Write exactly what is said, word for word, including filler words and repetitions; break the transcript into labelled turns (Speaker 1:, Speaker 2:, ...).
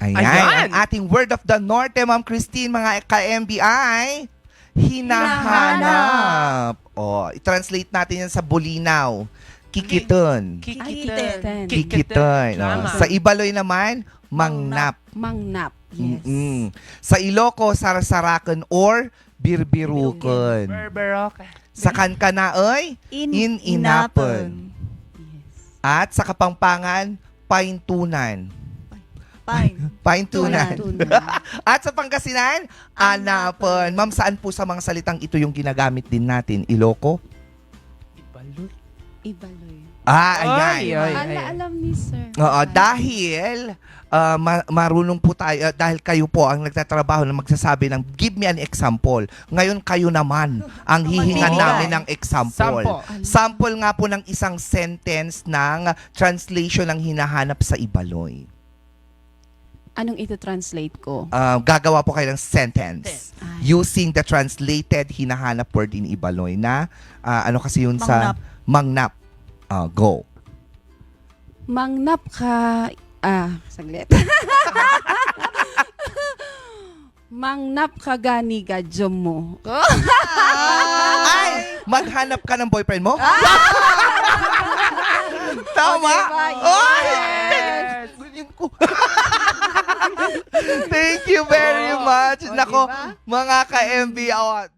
Speaker 1: Ayan,
Speaker 2: Ayan.
Speaker 1: ang ating word of the Norte, Ma'am Christine, mga ka-M B I, hinahanap. O, i-translate natin yan sa Bulinaw. Kikiton.
Speaker 2: Kikiten.
Speaker 1: Kikiton. O,
Speaker 2: Tama.
Speaker 1: sa Ibaloy naman, mangnap.
Speaker 3: Mangnap. Yes.
Speaker 1: Mm-mm. Sa Iloco, sarsarakan or birbirukon.
Speaker 2: Berberoke.
Speaker 1: Sa Kankanaoy, in-inapon.
Speaker 3: Yes.
Speaker 1: At sa Kapampangan, paintunan.
Speaker 4: Fine.
Speaker 1: Paintunan.
Speaker 3: Tunan.
Speaker 1: At sa Pangasinan, anapon. Ma'am, saan po sa mga salitang ito yung ginagamit din natin? Iloco?
Speaker 2: Ibaloy.
Speaker 3: Ibaloy.
Speaker 1: Ah,
Speaker 2: Ay,
Speaker 1: ayan.
Speaker 2: ay.
Speaker 3: Ala, alam ni sir.
Speaker 1: Oo, dahil ah, ma- marunong po tayo, ah, dahil kayo po ang nagtatrabaho na magsasabi ng give me an example. Ngayon kayo naman ang hihingan
Speaker 4: Magbibigay.
Speaker 1: namin ng example.
Speaker 2: Sampo.
Speaker 1: Sample nga po ng isang sentence ng translation ng hinahanap sa Ibaloy.
Speaker 3: Anong ito translate ko?
Speaker 1: Ah, gagawa po kayo ng sentence
Speaker 3: Ay.
Speaker 1: using the translated hinahanap word in Ibaloy na ah, ano kasi yun sa mangnap. Ah, go.
Speaker 3: Mangnap ka... Ah, saglit. Mangnap ka gani gadyo mo.
Speaker 1: Ay! Maghanap ka ng boyfriend mo? Tama?
Speaker 3: O, diba?
Speaker 1: Ay!
Speaker 2: Yes.
Speaker 1: Ganyan ko. Thank you very much.
Speaker 3: O,
Speaker 1: Nako,
Speaker 3: diba?
Speaker 1: mga ka-M B,